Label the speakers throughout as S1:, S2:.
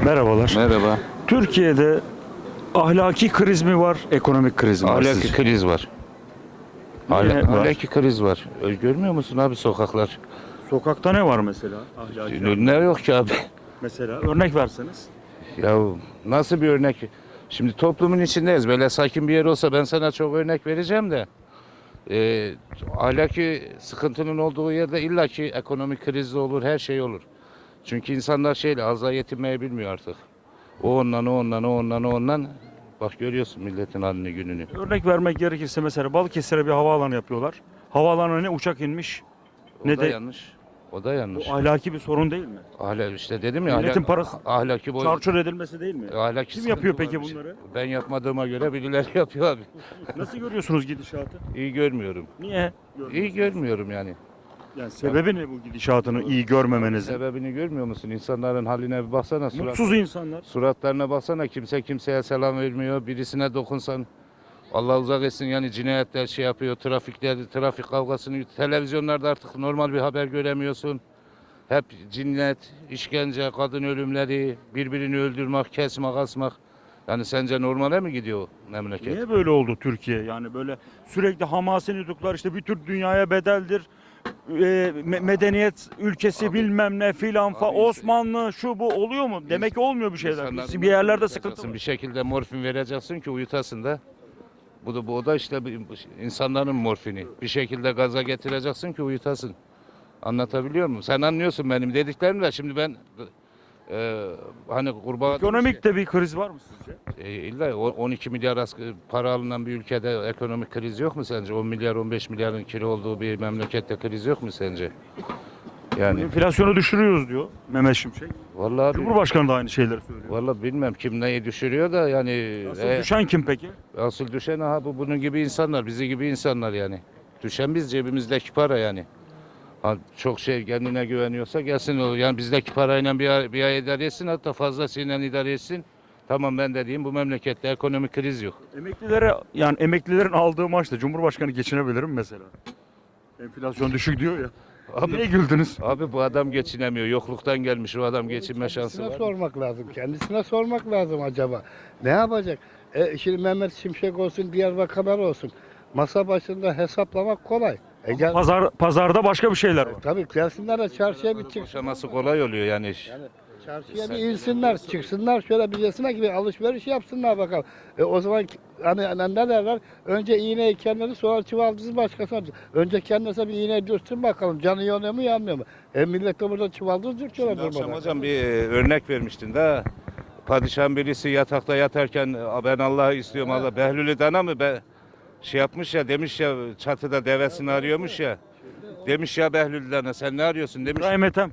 S1: Merhabalar.
S2: Merhaba.
S1: Türkiye'de ahlaki kriz mi var, ekonomik kriz mi var
S2: Ahlaki
S1: sizce?
S2: kriz var.
S1: Niye var?
S2: Ahlaki kriz var. Görmüyor musun abi sokaklar?
S1: Sokakta ne var mesela? Ahlaki.
S2: Ne yok ki abi?
S1: Mesela örnek verseniz.
S2: Ya nasıl bir örnek? Şimdi toplumun içindeyiz. Böyle sakin bir yer olsa ben sana çok örnek vereceğim de. Ahlaki sıkıntının olduğu yerde illaki ekonomik kriz de olur, her şey olur. Çünkü insanlar şeyle azla yetinmeyi bilmiyor artık. O ondan, o ondan, o ondan, o ondan. Bak görüyorsun milletin halini gününü.
S1: Örnek vermek gerekirse mesela Balıkesir'e bir havaalanı yapıyorlar. Havaalanına ne uçak inmiş
S2: O
S1: ne
S2: da
S1: de
S2: yanlış. O da yanlış.
S1: bu ahlaki bir sorun değil mi?
S2: İşte dedim ya
S1: Milletin parası
S2: ahlaki boy.
S1: çarçur edilmesi değil mi?
S2: Ahlaki
S1: Kim
S2: sıkıntı
S1: yapıyor
S2: var
S1: peki
S2: bir şey.
S1: bunları?
S2: Ben yapmadığıma göre birileri yapıyor abi.
S1: Nasıl görüyorsunuz gidişatı?
S2: İyi görmüyorum.
S1: Niye?
S2: İyi görmüyorum yani.
S1: Yani sebebi ne bu gidişatını iyi görmemenizin?
S2: Sebebini görmüyor musun? İnsanların haline bir baksana.
S1: Mutsuz insanlar.
S2: Suratlarına baksana. Kimse kimseye selam vermiyor. Birisine dokunsan Allah uzak etsin yani cinayetler şey yapıyor. Trafik kavgasını televizyonlarda artık normal bir haber göremiyorsun. Hep cinnet, işkence, kadın ölümleri, birbirini öldürmek, kesmek, asmak. Yani sence normale mi gidiyor memleket?
S1: Niye böyle oldu Türkiye? Yani böyle sürekli Hamas'ı tutuklar işte bir tür dünyaya bedeldir. Medeniyet ülkesi
S2: Abi-
S1: bilmem ne filan
S2: Abi-
S1: Osmanlı şu bu oluyor mu? Demek ki olmuyor bir şeyler.
S2: İnsanları
S1: Bir yerlerde
S2: morfin
S1: sıkıntı
S2: vereceksin,
S1: var.
S2: bir şekilde morfin vereceksin ki uyutasın da. Bu da işte insanların morfini. Bir şekilde gaza getireceksin ki uyutasın. Anlatabiliyor muyum? Sen anlıyorsun benim dediklerimi de şimdi ben hani kurbağa
S1: Ekonomik de bir kriz var mı sizce?
S2: illa 12 milyar para alınan bir ülkede ekonomik kriz yok mu sence? 10 milyar 15 milyarın kilo olduğu bir memlekette kriz yok mu sence? Yani
S1: Enflasyonu düşürüyoruz diyor Mehmet Şimşek.
S2: vallahi abi,
S1: Cumhurbaşkanı da aynı şeyleri söylüyor.
S2: vallahi bilmem kim neyi düşürüyor da yani
S1: Asıl düşen kim peki?
S2: asıl düşen bunun gibi insanlar, bizi gibi insanlar yani. Düşen biz cebimizdeki para yani. Ha, çok şey kendine güveniyorsa gelsin o. Yani bizdeki parayla bir ay idare etsin hatta fazlasıyla idare etsin. Tamam ben de diyeyim bu memlekette ekonomik kriz yok.
S1: Emeklilere yani emeklilerin aldığı maaşla Cumhurbaşkanı geçinebilir mi mesela? Enflasyon düşük diyor ya.
S2: Abi,
S1: Niye güldünüz?
S2: abi bu adam geçinemiyor. Yokluktan gelmiş o adam geçinme şansı
S3: Kendisine
S2: var.
S3: sormak lazım. Kendisine sormak lazım acaba. Ne yapacak? Şimdi Mehmet Şimşek olsun, diğer bakanlar olsun. Masa başında hesaplamak kolay.
S1: Pazarda başka bir şeyler var.
S3: Tabii gelsinler de çarşıya bir çıksın.
S2: Boşaması kolay oluyor yani.
S3: Çarşıya bir insinler, çıksınlar şöyle bilecesine gibi alışveriş yapsınlar bakalım. O zaman hani ne derler? Önce iğneyi kendileri sonra çuvaldızı başkasına. Önce kendisine bir iğne dürsün bakalım. Canı yanıyor mu yanmıyor mu? Millet de burada çuvaldız dürtüyorlar
S2: Şimdi akşam
S3: durmadan.
S2: hocam bir örnek vermiştin de. Padişahın birisi yatakta yatarken ben Allah'ı istiyorum Allah. Behlül'ü dana mı şey yapmış ya demiş ya çatıda devesini arıyormuş ya. Demiş ya Behlül dana sen ne arıyorsun demiş.
S1: İbrahim Ethem.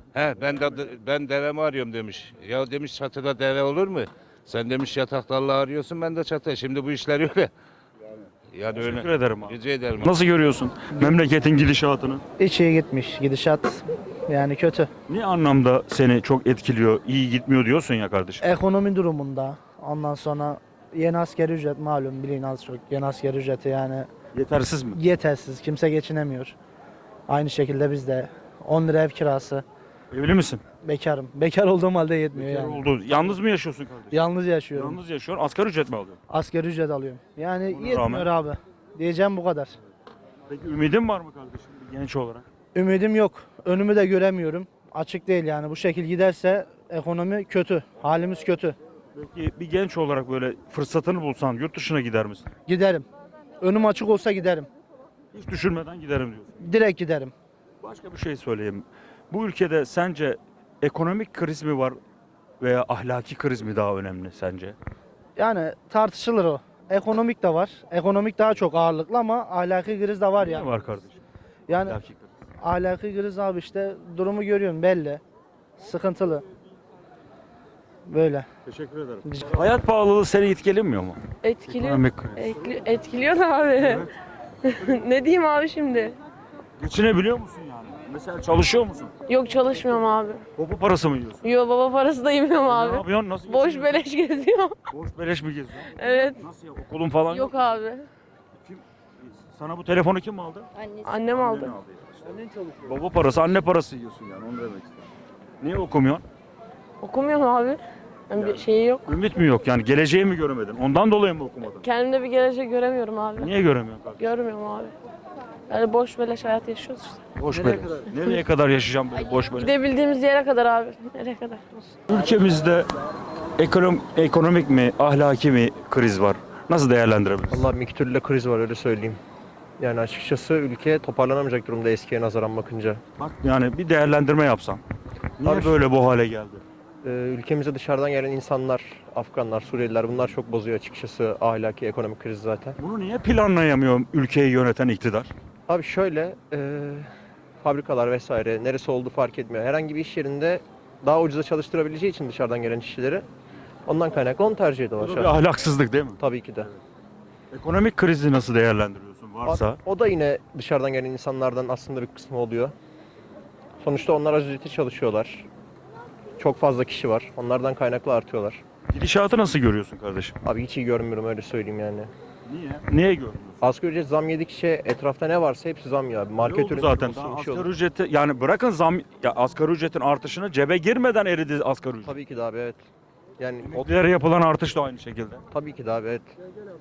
S2: Ben devemi arıyorum demiş. Ya demiş çatıda deve olur mu? Sen demiş yatakta Allah'ı arıyorsun ben de çatıda. Şimdi bu işler öyle. Yani öyle.
S1: Teşekkür ederim abi.
S2: Rica ederim.
S1: Nasıl görüyorsun memleketin gidişatını?
S4: Hiç iyi gitmiş. Gidişat yani kötü.
S1: Ne anlamda seni çok etkiliyor, iyi gitmiyor diyorsun ya kardeşim?
S4: Ekonomi durumunda ondan sonra yeni asgari ücret malum bilin az çok. Yeni asgari ücreti yani
S1: Yetersiz mi?
S4: yetersiz. Kimse geçinemiyor. Aynı şekilde biz de 10 lira ev kirası.
S1: Evli misin?
S4: Bekarım. Bekar olduğum halde yetmiyor
S1: Bekar
S4: yani.
S1: oldu. Yalnız mı yaşıyorsun kardeşim?
S4: Yalnız yaşıyorum.
S1: Yalnız yaşıyorsun. Asgari ücret mi alıyorsun?
S4: Asgari ücret alıyorum. Yani
S1: Ona
S4: yetmiyor
S1: rağmen-
S4: abi. Diyeceğim bu kadar.
S1: Peki ümidin var mı kardeşim bir genç olarak?
S4: Ümidim yok. Önümü de göremiyorum. Açık değil yani. Bu şekil giderse ekonomi kötü. Halimiz kötü.
S1: Peki bir genç olarak böyle fırsatını bulsan yurt dışına gider misin?
S4: Giderim. Önüm açık olsa giderim.
S1: Hiç düşünmeden giderim diyorsun.
S4: Direkt giderim.
S1: Başka bir şey söyleyeyim. Bu ülkede sence ekonomik kriz mi var veya ahlaki kriz mi daha önemli sence?
S4: Yani tartışılır o. Ekonomik de var. Ekonomik daha çok ağırlıklı ama ahlaki kriz de var
S1: Ne
S4: yani.
S1: var kardeşim?
S4: Yani
S1: Ahlaki kriz.
S4: ahlaki kriz abi işte durumu görüyorsun belli. Sıkıntılı. Böyle.
S1: Teşekkür ederim. Hayat pahalılığı seni etkilemiyor mu?
S5: Etkiliyor.
S1: Ekonomik kriz.
S5: Etkiliyor da abi. Ne diyeyim abi şimdi?
S1: Geçinebiliyor musun yani? Mesela çalışıyor musun?
S5: Yok çalışmıyorum abi.
S1: Baba parası mı yiyorsun?
S5: Yo baba parası da yemiyorum
S1: Ne
S5: abi.
S1: yapıyorsun? Nasıl
S5: Boş
S1: geçiniyorsun?
S5: beleş geziyorum.
S1: Boş beleş mi geziyorsun?
S5: Evet.
S1: Nasıl ya? Okulun falan yok.
S5: Yok abi.
S1: Sana bu telefonu kim aldı?
S5: Annem aldı.
S1: Baba parası, anne parası yiyorsun yani onu demek istedim. Niye okumuyorsun?
S5: Okumuyorum abi. Yani bir şeyi yok.
S1: Ümit mi yok yani geleceği mi göremedin? Ondan dolayı mı okumadın?
S5: Kendimde bir gelecek göremiyorum abi.
S1: Niye göremiyorsun kardeşim?
S5: Görmüyorum abi. Yani boş beleş hayat yaşıyoruz işte.
S1: Boş ver. Nereye kadar yaşayacağım böyle boş böyle?
S5: Gidebildiğimiz yere kadar abi. Nereye kadar olsun.
S1: Ülkemizde ekonomik mi, ahlaki mi kriz var? Nasıl değerlendirebiliriz?
S6: Vallahi miktürle kriz var öyle söyleyeyim. Yani açıkçası ülke toparlanamayacak durumda eskiye nazaran bakınca.
S1: Bak yani bir değerlendirme yapsan. Niye
S6: Abi-
S1: böyle bu hale geldi?
S6: Ülkemize dışarıdan gelen insanlar, Afganlar, Suriyeliler bunlar çok bozuyor açıkçası ahlaki ekonomik kriz zaten.
S1: Bunu niye planlayamıyor ülkeyi yöneten iktidar?
S6: Abi şöyle fabrikalar vesaire neresi olduğu fark etmiyor. Herhangi bir iş yerinde daha ucuza çalıştırabileceği için dışarıdan gelen işçileri ondan kaynaklı onu tercih ediyorlar.
S1: Bu
S6: şu
S1: bir
S6: an.
S1: ahlaksızlık değil mi?
S6: Tabii ki de.
S1: Ekonomik krizi nasıl değerlendiriyorsun varsa?
S6: O da yine dışarıdan gelen insanlardan aslında bir kısmı oluyor. Sonuçta onlar az ücretli çalışıyorlar. Çok fazla kişi var. Onlardan kaynaklı artıyorlar.
S1: Gidişatı nasıl görüyorsun kardeşim?
S6: Abi hiç iyi görmüyorum öyle söyleyeyim yani.
S1: Niye? Niye görmüyorsun?
S6: Asgari ücret zam yedikçe etrafta ne varsa hepsi zam ya. Market
S1: Ne oldu
S6: ürünü
S1: zaten
S6: olsun,
S1: daha
S6: bir şey
S1: asgari
S6: olur.
S1: ücreti yani bırakın zam ya asgari ücretin artışını cebe girmeden eridi asgari ücret.
S6: Tabii ki de abi evet. Yani o,
S1: Emeklilere yapılan artış da aynı şekilde.
S6: tabii ki de abi evet.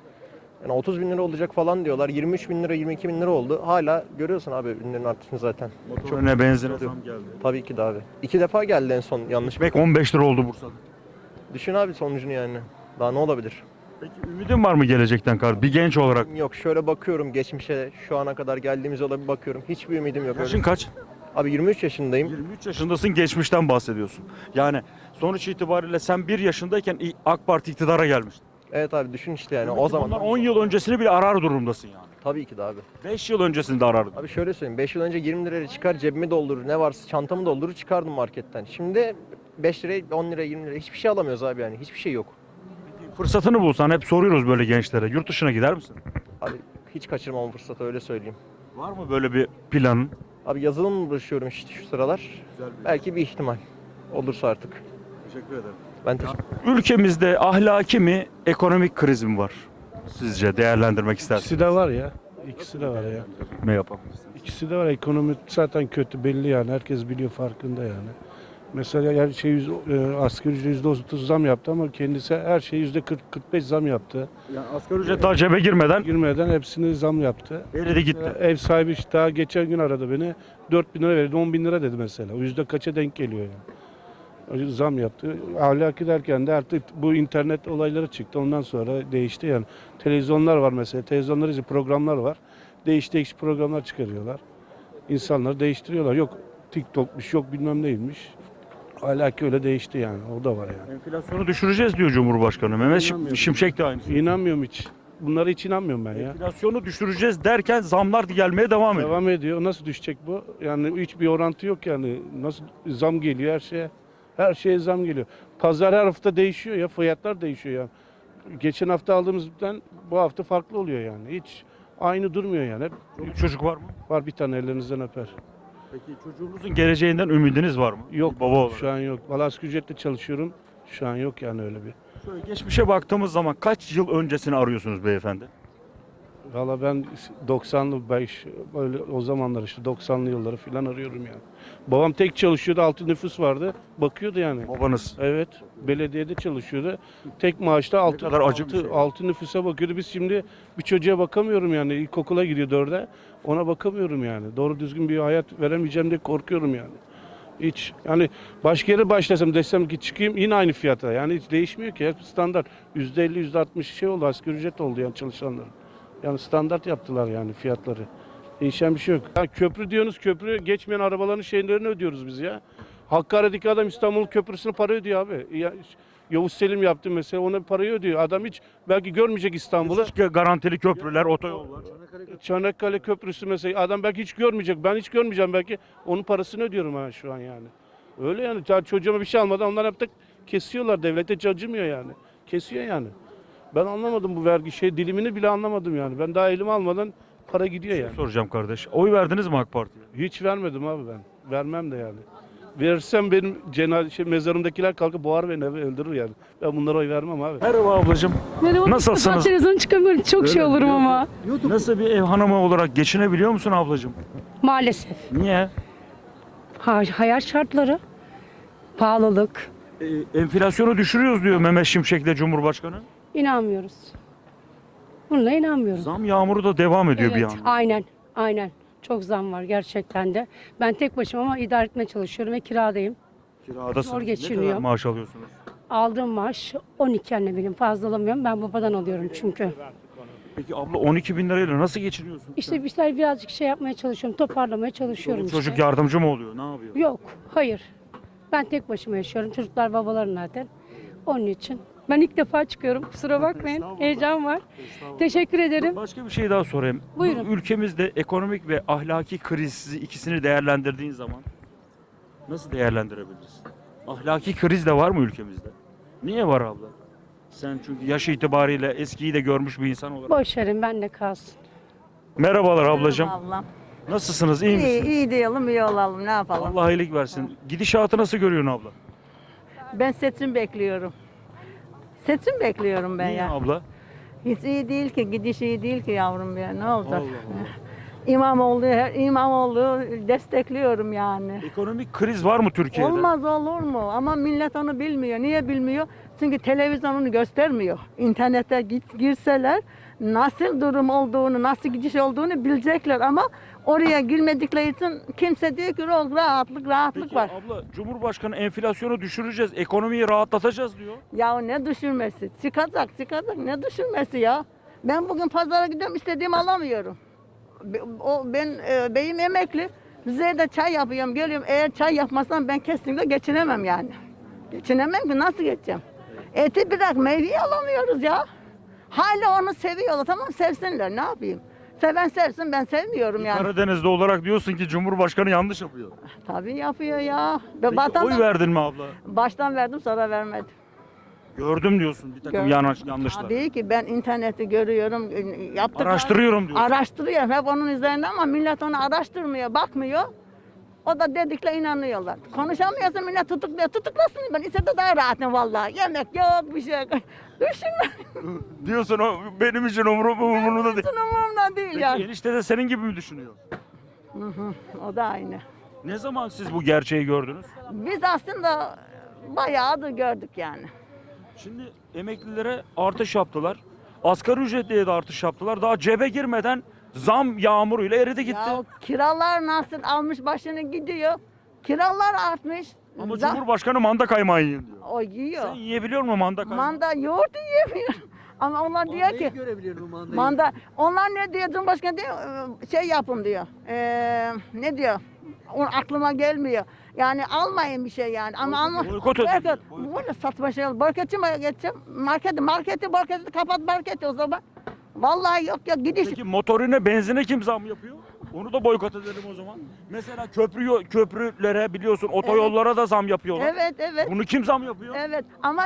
S6: Yani 30 bin lira olacak falan diyorlar. 23 bin lira, 22 bin lira oldu. Hala görüyorsun abi ürünlerin artışını zaten.
S1: Motorine benzine zam geldi.
S6: Tabii ki de abi. 2 defa geldi en son yanlış.
S1: Ekmek 15 lira oldu Bursa'da.
S6: Düşün abi sonucunu yani. Daha ne olabilir?
S1: Peki ümidin var mı gelecekten kardeşim? Bir genç olarak.
S6: Yok şöyle bakıyorum geçmişe şu ana kadar geldiğimiz yola bir bakıyorum. Hiçbir ümidim yok.
S1: Yaşın
S6: Öyle.
S1: kaç?
S6: Abi 23 yaşındayım.
S1: 23 yaşındasın, geçmişten bahsediyorsun. Yani sonuç itibariyle sen 1 yaşındayken AK Parti iktidara gelmişti.
S6: Evet abi düşün işte yani
S1: O
S6: o zaman.
S1: zaman 10 yıl öncesini bile arar durumdasın yani.
S6: Tabii ki de abi.
S1: 5 yıl öncesini de arardın.
S6: Abi şöyle söyleyeyim 5 yıl önce 20 liraya çıkar cebimi doldurur ne varsa çantamı doldurur çıkardım marketten. Şimdi 5 liraya 10 liraya 20 liraya hiçbir şey alamıyoruz abi yani hiçbir şey yok.
S1: Fırsatını bulsan hep soruyoruz böyle gençlere. Yurt dışına gider misin?
S6: Abi hiç kaçırmam fırsatı öyle söyleyeyim.
S1: Var mı böyle bir planın?
S6: Abi yazılımla uğraşıyorum işte şu sıralar. Belki bir ihtimal olursa artık.
S1: Teşekkür ederim.
S6: Ben teşekkür
S1: Ülkemizde ahlaki mi, ekonomik kriz mi var? Sizce değerlendirmek istersiniz.
S7: İkisi de var ya. İkisi de var ya.
S1: Ne yapalım?
S7: İkisi de var. Ekonomi zaten kötü belli yani. Herkes biliyor farkında yani. Mesela her şey asgari ücret %30 zam yaptı ama kendisi her şey %40-45 zam yaptı.
S1: Yani asgari ücret daha cebe girmeden
S7: Girmeden hepsini zam yaptı.
S1: eridi gitti.
S7: Ev sahibi işte daha geçen gün aradı beni. 4 bin lira verdi, 10 bin lira dedi mesela. O yüzde kaça denk geliyor yani. O zam yaptı. Ahlaki derken de artık bu internet olayları çıktı. Ondan sonra değişti yani. Televizyonlar var mesela. Televizyonlar için programlar var. Değişik programlar çıkarıyorlar. İnsanları değiştiriyorlar. Yok TikTok'muş, yok bilmem neymiş. Ahlaki öyle değişti yani. O da var yani.
S1: Enflasyonu düşüreceğiz diyor Cumhurbaşkanı. Mehmet Şimşek de aynı.
S7: İnanmıyorum hiç. Bunlara hiç inanmıyorum ben ya.
S1: Enflasyonu düşüreceğiz derken zamlar gelmeye devam ediyor.
S7: Devam ediyor. Nasıl düşecek bu? Yani hiçbir orantı yok yani. Nasıl zam geliyor her şeye? Her şeye zam geliyor. Pazar her hafta değişiyor ya. Fiyatlar değişiyor yani. Geçen hafta aldığımızdan bu hafta farklı oluyor yani. Hiç aynı durmuyor yani. Hep
S1: Çocuk var mı?
S7: var bir tane ellerinizden öper.
S1: Peki çocuğunuzun geleceğinden ümidiniz var mı?
S7: Yok
S1: Bir baba olarak.
S7: şu an yok. Valla asgari ücretle çalışıyorum. Şu an yok yani öyle bir.
S1: Şöyle geçmişe baktığımız zaman kaç yıl öncesini arıyorsunuz beyefendi?
S7: Valla ben 90'lı böyle o zamanlar işte 90'lı yılları falan arıyorum yani. Babam tek çalışıyordu, 6 nüfus vardı. Bakıyordu yani.
S1: Babanız.
S7: Evet, belediyede çalışıyordu. Tek maaşta
S1: kadar acı bir şey.
S7: 6 nüfusa bakıyordu. Biz şimdi bir çocuğa bakamıyorum yani. İlkokula gidiyor 4'e. Ona bakamıyorum yani. Doğru düzgün bir hayat veremeyeceğim diye korkuyorum yani. Hiç yani başka yere başlasam desem ki çıkayım yine aynı fiyata. Yani hiç değişmiyor ki. Hep standart. %50, %60 şey oldu. Asgari ücret oldu yani çalışanların. Yani standart yaptılar yani fiyatları. Değişen bir şey yok. Ya köprü diyorsunuz, köprü geçmeyen arabaların şeylerini ödüyoruz biz ya. Hakkari'deki adam İstanbul Köprüsü'ne para ödüyor abi. Ya, Yavuz Selim yaptı mesela ona parayı ödüyor. Adam hiç belki görmeyecek İstanbul'u.
S1: Garantili köprüler, otoyollar.
S7: Çanakkale Köprüsü mesela adam belki hiç görmeyecek. Ben hiç görmeyeceğim belki. Onun parasını ödüyorum ben şu an yani. Öyle yani. Çocuğuma bir şey almadan onlar hep de kesiyorlar. Devlete acımıyor yani. Kesiyor yani. Ben anlamadım bu vergi dilimini bile anlamadım yani. Ben daha elime almadan para gidiyor yani.
S1: Soracağım kardeş. Oy verdiniz mi AK Parti'ye?
S7: Hiç vermedim abi ben. Vermem de yani. Verirsem benim mezarımdakiler kalkıp boğar beni öldürür yani. Ben bunlara oy vermem abi.
S1: Merhaba ablacığım.
S8: Merhaba.
S1: Nasılsınız?
S8: Ben televizyon çıkamıyorum. Çok şey olurum ama.
S1: Nasıl bir ev hanımı olarak geçinebiliyor musun ablacığım?
S8: Maalesef.
S1: Niye?
S8: Hayat şartları, pahalılık,
S1: Enflasyonu düşürüyoruz diyor Mehmet Şimşek'le Cumhurbaşkanı.
S8: İnanmıyoruz. Buna inanmıyorum.
S1: Zam yağmuru da devam ediyor bir
S8: Evet,
S1: yandan.
S8: aynen, aynen. Çok zam var gerçekten de. Ben tek başıma ama idare etmeye çalışıyorum ve kiradayım.
S1: Kiradasınız.
S8: Zor
S1: Ne
S8: geçiniyor.
S1: kadar maaş alıyorsunuz?
S8: Aldığım maaş 12 anne benim fazla alamıyorum. Ben babadan alıyorum çünkü.
S1: Peki abla 12 bin lirayla nasıl geçiniyorsun?
S8: İşte bir şeyler birazcık şey yapmaya çalışıyorum, toparlamaya çalışıyorum
S1: Çoluk çocuk
S8: işte.
S1: yardımcı mı oluyor? Ne yapıyor?
S8: Yok, hayır. Ben tek başıma yaşıyorum. Çocuklar babaların zaten. Onun için. Ben ilk defa çıkıyorum. Kusura bakmayın. Heyecan var. Teşekkür ederim.
S1: Başka bir şey daha sorayım.
S8: Buyurun.
S1: Bu ülkemizde ekonomik ve ahlaki krizi ikisini değerlendirdiğin zaman nasıl değerlendirebilirsin? Ahlaki kriz de var mı ülkemizde? Niye var abla? Sen çünkü yaş itibariyle eskiyi de görmüş bir insan olarak.
S8: Boş verin, ben de kalsın.
S1: Merhabalar ablacığım.
S9: Ablam.
S1: Nasılsınız? İyi
S9: İyi,
S1: misiniz?
S9: iyi diyelim, iyi olalım. Ne yapalım?
S1: Allah iyilik versin. Gidişatı nasıl görüyorsun abla?
S9: Ben seçim bekliyorum. Seçim bekliyorum ben
S1: Niye
S9: ya.
S1: abla?
S9: Hiç iyi değil ki, gidiş iyi değil ki yavrum ya. Ne olacak?
S1: Allah Allah.
S9: İmamoğlu destekliyorum yani.
S1: Ekonomik kriz var mı Türkiye'de?
S9: Olmaz olur mu? Ama millet onu bilmiyor. Niye bilmiyor? Çünkü televizyon onu göstermiyor. İnternete girseler nasıl durum olduğunu, nasıl gidiş olduğunu bilecekler ama oraya girmedikleri için kimse diyor ki rahatlık
S1: Peki
S9: var.
S1: abla Cumhurbaşkanı enflasyonu düşüreceğiz, ekonomiyi rahatlatacağız diyor.
S9: Ya ne düşürmesi? Çıkacak. Ne düşürmesi ya? Ben bugün pazara gidiyorum, istediğimi alamıyorum. Beyim emekli. Rize'de çay yapıyorum, geliyorum. Eğer çay yapmasam ben kesinlikle geçinemem yani. Geçinemem ki, nasıl geçeceğim? Eti bırak, meyveyi alamıyoruz ya. Hala onu seviyorlar, tamam sevsinler, ne yapayım? Seven sevsin, ben sevmiyorum yani.
S1: Karadeniz'de olarak diyorsun ki Cumhurbaşkanı yanlış yapıyor.
S9: Tabii yapıyor ya.
S1: Peki, oy verdin mi abla?
S9: Baştan verdim, sonra vermedim.
S1: Gördüm diyorsun bir takım
S9: Gördüm.
S1: yanlışlar.
S9: Tabii ki ben interneti görüyorum,
S1: Araştırıyorum diyorsun.
S9: Araştırıyorum hep onun üzerinde ama millet onu araştırmıyor, bakmıyor. O da dedikle inanıyorlar. Konuşamıyorsa millet tutukluyor. Tutuklasın, ben içeride daha rahatım vallahi. Yemek yok, bir şey yok. Düşünme.
S1: Diyorsun o benim için umurumda değil.
S9: Hiç umurumda değil
S1: Peki
S9: yani.
S1: enişte de senin gibi mi düşünüyor?
S9: O da aynı.
S1: Ne zaman siz bu gerçeği gördünüz?
S9: Biz aslında bayağı da gördük yani.
S1: Şimdi emeklilere artış yaptılar. Asgari ücretliye de artış yaptılar. Daha cebe girmeden zam yağmuruyla eridi gitti.
S9: Ya kiralar nasıl almış başını gidiyor. Kiralar artmış.
S1: Ama Cumhurbaşkanı manda kaymağı yiyin diyor.
S9: O yiyor.
S1: Sen yiyebiliyor musun manda kaymağı?
S9: Manda yoğurt yiyemiyor. Ama onlar diyor ki manda, onlar ne diyor, Cumhurbaşkanı diyor şey yapın diyor. Ne diyor? O aklıma gelmiyor. Yani almayın bir şey yani. Ama alma.
S1: Boykot edin diyor,
S9: Böyle saçma şey olur. Boykotçu mu geçeceğim? Marketi kapat marketi o zaman. Vallahi yok gidiş.
S1: Peki motorine, benzine kim zam yapıyor? Onu da boykot edelim o zaman. Mesela köprülere biliyorsun otoyollara da zam yapıyorlar.
S9: Evet.
S1: Bunu kim zam yapıyor?
S9: Evet ama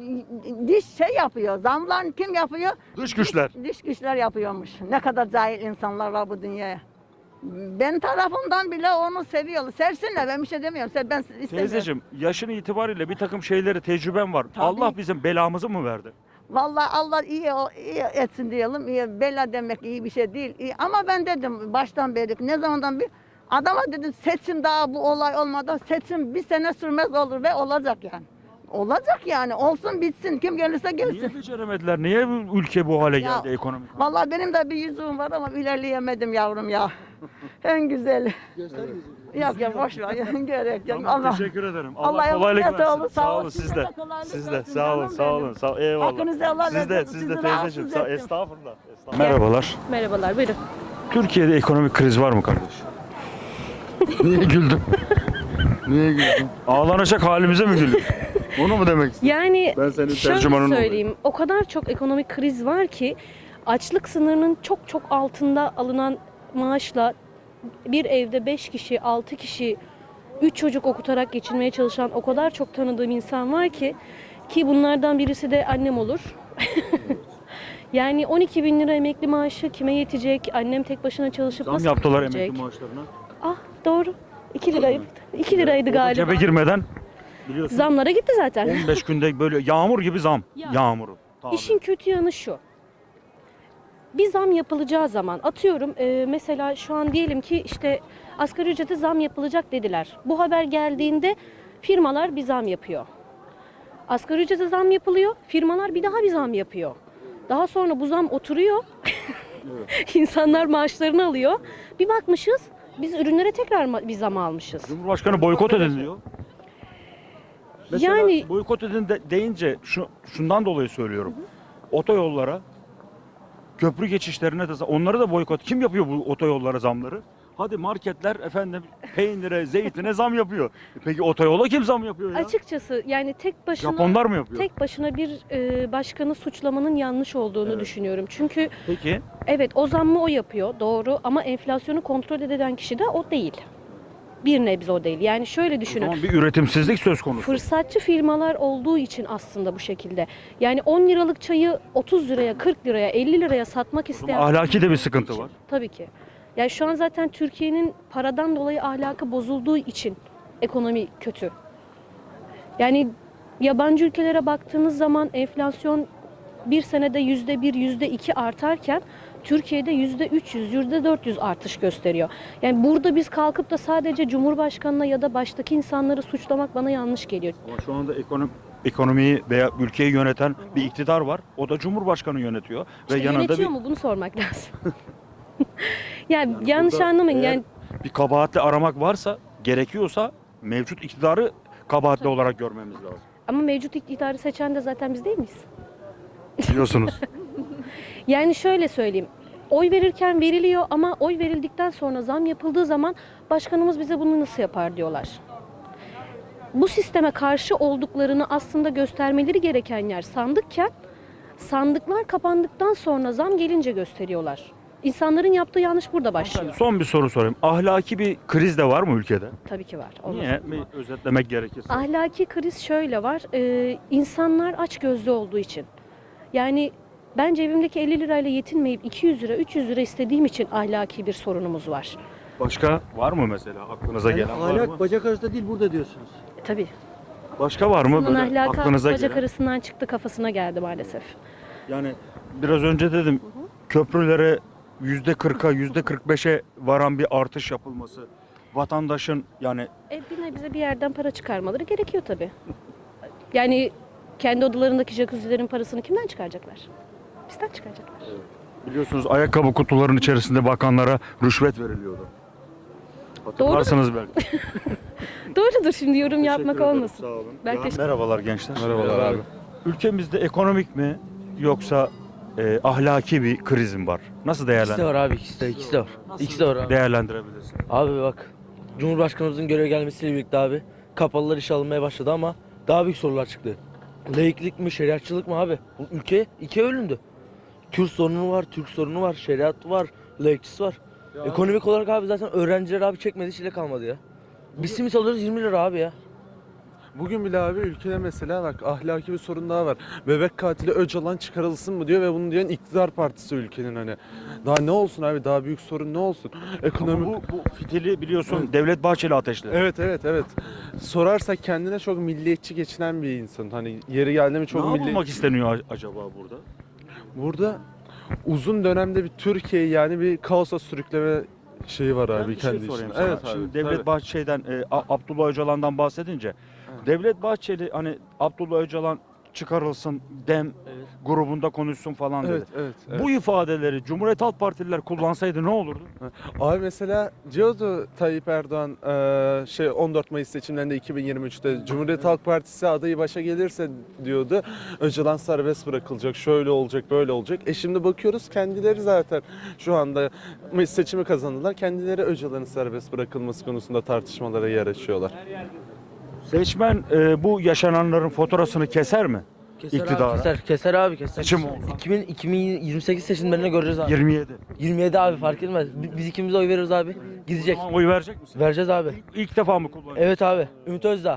S9: diş şey yapıyor. Zamlar kim yapıyor?
S1: Dış güçler.
S9: Dış güçler yapıyormuş. Ne kadar cahil insanlar var bu dünyaya. Ben tarafımdan bile onu seviyorlar. Sevsinler, ben bir şey demiyorum. Ben istemiyorum.
S1: Teyzeciğim yaşın itibariyle bir takım şeyleri tecrüben var.
S9: Tabii.
S1: Allah bizim belamızı mı verdi?
S9: Vallahi Allah iyi etsin diyelim. İyi, bela demek iyi bir şey değil. İyi. Ama ben dedim baştan beri, ne zamandan bir adama dedim seçim daha bu olay olmadan seçim bir sene sürmez olur ve olacak yani. Olacak yani. Olsun bitsin. Kim gelirse gelsin.
S1: Niye beceremediler? Niye bu ülke bu hale
S9: Ya,
S1: geldi ekonomik?
S9: Vallahi benim de bir yüzüğüm var ama ilerleyemedim yavrum ya. En güzeli. Yok ya boş ver. Gerek yok.
S1: Tamam,
S9: Allah.
S1: teşekkür ederim.
S9: Allah
S1: Allah kolaylık
S9: yardımcınız
S1: versin.
S9: olsun,
S1: Sağ olun siz de.
S9: kolaylık
S1: Siz de
S9: versin,
S1: sağ olun,
S9: canım
S1: sağ olun.
S9: benim.
S1: Sağ olun. Eyvallah.
S9: Hakkınızı helal
S1: Siz de,
S9: edin.
S1: siz de
S9: Sizi
S1: teyzeciğim.
S9: rahatsız ettim.
S1: Estağfurullah. Merhabalar.
S5: Merhabalar, buyurun.
S1: Türkiye'de ekonomik kriz var mı kardeş? Niye güldün? Niye güldün? Ağlanacak halimize mi güldün? Onu mu demek istiyorsun?
S5: Yani
S1: Ben senin
S5: şöyle
S1: tercümanın
S5: söyleyeyim, o kadar çok ekonomik kriz var ki açlık sınırının çok altında alınan maaşla bir evde 5 kişi, 6 kişi, 3 çocuk okutarak geçinmeye çalışan o kadar çok tanıdığım insan var ki bunlardan birisi de annem olur. Yani 12 bin lira emekli maaşı kime yetecek? Annem tek başına çalışıp
S1: Zam
S5: nasıl
S1: yaptılar
S5: geçinecek?
S1: emekli maaşlarına.
S5: Ah doğru. 2 liraydı. 2 liraydı
S1: O da
S5: galiba.
S1: cebe girmeden biliyorsun
S5: Zamlara gitti zaten.
S1: 15 günde böyle yağmur gibi zam.
S5: Ya.
S1: Yağmuru. Tabii.
S5: İşin kötü yanı şu. Bir zam yapılacağı zaman atıyorum mesela şu an diyelim ki işte asgari ücrete zam yapılacak dediler. Bu haber geldiğinde firmalar bir zam yapıyor. Asgari ücrete zam yapılıyor. Firmalar bir daha bir zam yapıyor. Daha sonra bu zam oturuyor. İnsanlar maaşlarını alıyor. Bir bakmışız biz ürünlere tekrar bir zam almışız.
S1: Cumhurbaşkanı boykot edin diyor. Mesela
S5: Yani
S1: boykot edin deyince şundan dolayı söylüyorum. Otoyollara, köprü geçişlerine de onları da boykot. Kim yapıyor bu otoyollara zamları? Hadi marketler efendim peynire, zeytine zam yapıyor. Peki otoyola kim zam yapıyor ya?
S5: açıkçası yani tek başına
S1: Japonlar mı yapıyor?
S5: bir başkanı suçlamanın yanlış olduğunu düşünüyorum. Çünkü
S1: Peki.
S5: evet o zammı o yapıyor doğru ama enflasyonu kontrol eden kişi de o değil. Bir nebze o değil. Yani şöyle
S1: O
S5: düşünün.
S1: zaman bir üretimsizlik söz konusu.
S5: Fırsatçı firmalar olduğu için aslında bu şekilde. Yani 10 liralık çayı 30 liraya, 40 liraya, 50 liraya satmak isteyen
S1: Ahlaki de bir sıkıntı var.
S5: tabii ki. Yani şu an zaten Türkiye'nin paradan dolayı ahlakı bozulduğu için ekonomi kötü. Yani yabancı ülkelere baktığınız zaman enflasyon bir senede %1, %2 artarken Türkiye'de %300, %400 artış gösteriyor. Yani burada biz kalkıp da sadece Cumhurbaşkanı'na ya da baştaki insanları suçlamak bana yanlış geliyor.
S1: Ama şu anda ekonomiyi veya ülkeyi yöneten bir iktidar var. O da Cumhurbaşkanı yönetiyor.
S5: İşte
S1: Ve yanında
S5: yönetiyor
S1: bir
S5: mu bunu sormak lazım. Yani yanlış
S1: burada
S5: anlamayın.
S1: eğer
S5: Yani
S1: bir kabahatli aramak varsa, gerekiyorsa mevcut iktidarı kabahatli olarak görmemiz lazım.
S5: ama mevcut iktidarı seçen de zaten biz değil miyiz?
S1: Biliyorsunuz.
S5: Yani şöyle söyleyeyim. Oy verirken veriliyor ama oy verildikten sonra zam yapıldığı zaman başkanımız bize bunu nasıl yapar diyorlar. Bu sisteme karşı olduklarını aslında göstermeleri gereken yer sandıkken sandıklar kapandıktan sonra zam gelince gösteriyorlar. İnsanların yaptığı yanlış burada başlıyor.
S1: Son bir soru sorayım. Ahlaki bir kriz de var mı ülkede?
S5: Tabii ki var. Olmaz.
S1: Niye? Bir özetlemek gerekirse.
S5: Ahlaki kriz şöyle var. İnsanlar açgözlü olduğu için. Yani ben cebimdeki 50 lirayla yetinmeyip 200 lira, 300 lira istediğim için ahlaki bir sorunumuz var.
S1: Başka var mı mesela aklınıza gelen var mı?
S10: Ahlak bacak arasında değil burada diyorsunuz.
S5: Tabii.
S1: Başka var mı
S5: Bunun
S1: böyle
S5: ahlakı
S1: aklınıza
S5: bacak
S1: gelen?
S5: arasından çıktı kafasına geldi maalesef.
S1: Yani biraz önce dedim köprülere %40'a %45'e varan bir artış yapılması vatandaşın yani
S5: Bir nebze bir yerden para çıkarmaları gerekiyor tabii. Yani kendi odalarındaki jacuzzilerin parasını kimden çıkaracaklar? Bizden çıkaracaklar.
S1: biliyorsunuz ayakkabı kutularının içerisinde bakanlara rüşvet veriliyordu. Hatırlarsınız belki.
S5: Doğrudur şimdi yorum yapmak
S1: Teşekkür ederim,
S5: olmasın.
S1: Sağ olun.
S5: Ben teşekkür-
S1: Merhabalar gençler.
S2: Merhabalar abi.
S1: Ülkemizde ekonomik mi yoksa ahlaki bir kriz mi var? Nasıl
S10: İkisi de var abi ikisi de var. İkisi de var abi.
S1: değerlendirebilirsin?
S10: Abi bak Cumhurbaşkanımızın göreve gelmesiyle birlikte abi kapalılar işe alınmaya başladı ama daha büyük sorular çıktı. Laiklik mi şeriatçılık mı abi? Bu ülke ikiye bölündü. Kürt sorunu var, Türk sorunu var, şeriat var, laikçisi var. Ekonomik olarak abi zaten öğrenciler abi çekmediği çile kalmadı ya. Biz simit alıyoruz 20 lira abi ya.
S11: Bugün bile abi ülkede mesela bak ahlaki bir sorun daha var. Bebek katili Öcalan çıkarılsın mı diyor ve bunu diyen iktidar partisi ülkenin hani. Daha ne olsun abi daha büyük sorun ne olsun? Ekonomik...
S1: Ama bu fitili biliyorsun Devlet Bahçeli ateşledi.
S11: Evet. Sorarsak kendine çok milliyetçi geçinen bir insan. Hani yeri geldi mi çok
S1: Ne yapılmak isteniyor acaba burada?
S11: Burada uzun dönemde bir Türkiye'yi yani bir kaosa sürükleme şeyi var abi
S1: Ben bir şey
S11: kendi
S1: sorayım
S11: içinde.
S1: sana.
S11: Evet abi.
S1: Şimdi Devlet
S11: tabii.
S1: Bahçeli'den, Abdullah Öcalan'dan bahsedince Devlet Bahçeli hani Abdullah Öcalan çıkarılsın, dem
S10: Evet.
S1: grubunda konuşsun falan dedi.
S11: Evet.
S1: Bu ifadeleri Cumhuriyet Halk Partililer kullansaydı ne olurdu?
S11: Abi mesela diyordu Tayyip Erdoğan 14 Mayıs seçimlerinde 2023'te Cumhuriyet Halk Partisi adayı başa gelirse diyordu Öcalan serbest bırakılacak, şöyle olacak, böyle olacak. Şimdi bakıyoruz kendileri zaten şu anda seçimi kazandılar. Kendileri Öcalan'ın serbest bırakılması konusunda tartışmalara yer açıyorlar.
S1: Seçmen bu yaşananların faturasını keser mi? İktidara.
S10: Keser abi keser.
S1: Seçim oldu.
S10: 2028 seçimlerinde göreceğiz abi.
S1: 27.
S10: 27 abi fark etmez. Biz ikimiz de oy veririz abi. Gidecek.
S1: Tamam, oy verecek misin?
S10: Vereceğiz abi.
S1: İlk defa mı kullanacaksın?
S10: Evet abi. Ümit Özdağ.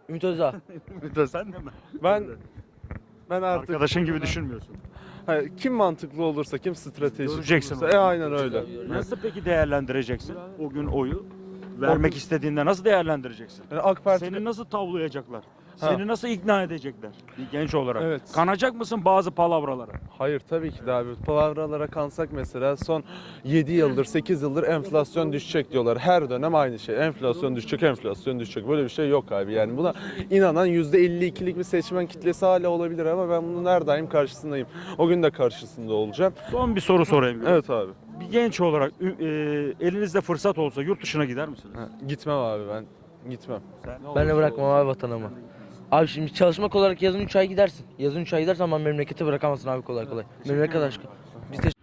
S1: Sen de mi?
S11: Ben artık
S1: Arkadaşın gibi düşünmüyorsun.
S11: kim mantıklı olursa, kim stratejik
S1: Göreceksin.
S11: olursa aynen öyle.
S1: Nasıl peki değerlendireceksin o gün oyu? Vermek istediğinde nasıl değerlendireceksin?
S11: Yani AK Parti
S1: Seni nasıl tavlayacaklar? Seni nasıl ikna edecekler bir genç olarak?
S11: Evet.
S1: Kanacak mısın bazı palavralara?
S11: Hayır tabii ki de abi. Palavralara kansak mesela son 7 yıldır 8 yıldır enflasyon düşecek diyorlar. Her dönem aynı şey. Enflasyon düşecek, enflasyon düşecek. Böyle bir şey yok abi. Yani buna inanan %52'lik bir seçmen kitlesi hala olabilir ama ben bunun her daim karşısındayım. O gün de karşısında olacağım.
S1: Son bir soru sorayım.
S11: Evet abi.
S1: Bir genç olarak elinizde fırsat olsa yurt dışına gider misiniz?
S11: Gitmem abi ben. Gitmem.
S10: Ben de bırakmam abi vatanımı. Abi şimdi çalışmak olarak yazın 3 ay gidersin. Yazın 3 ay gidersen ama memleketi bırakamazsın abi kolay kolay. Memleket aşkı. Biz de